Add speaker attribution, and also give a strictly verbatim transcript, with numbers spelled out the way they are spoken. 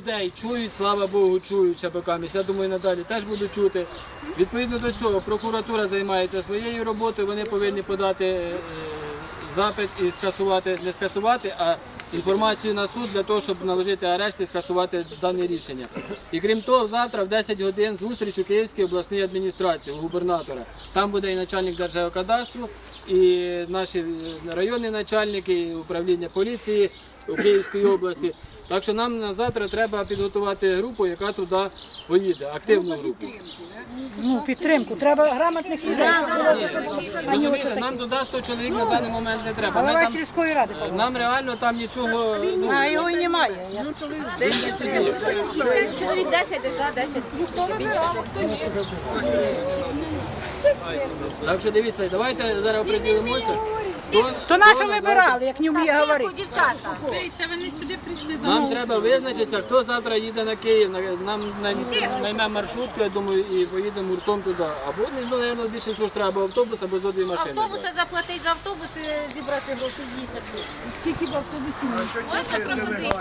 Speaker 1: Людей чують, слава Богу, чують шабаками. Я думаю, надалі теж будуть чути. Відповідно до цього, прокуратура займається своєю роботою, вони повинні подати е, запит і скасувати, не скасувати, а інформацію на суд для того, щоб наложити арешт і скасувати дане рішення. І крім того, завтра в десять годин зустріч у Київській обласній адміністрації, у губернатора. Там буде і начальник Держгеокадастру, і наші районні начальники, і управління поліції у Київській області. Так що нам на завтра треба підготувати групу, яка туди поїде, активну групу.
Speaker 2: Ну, підтримку. Треба грамотних людей.
Speaker 1: Розумієте, нам туди сто чоловік на даний момент не треба. Ми
Speaker 2: Голова
Speaker 1: там-
Speaker 2: сільської ради.
Speaker 1: Нам реально там нічого... ну,
Speaker 2: А його і немає.
Speaker 3: Чоловік десять, десь, да, десять.
Speaker 1: Так що дивіться, давайте зараз оприділимося. Хто-
Speaker 2: То
Speaker 1: хто
Speaker 2: нащо
Speaker 1: на
Speaker 2: ми
Speaker 1: завтра-
Speaker 2: брали, як не вміє говорити?
Speaker 3: Дівчата.
Speaker 1: Нам треба визначитися, хто завтра їде на Київ. На- Нам най- наймемо маршрутку, я думаю, і поїдемо гуртом туди. Або, ну, мабуть, більше всього ж треба або автобус, або зо дві машини.
Speaker 3: Автобуси заплатить за автобуси, зібрати гроші, їхати.
Speaker 4: Скільки в автобусі?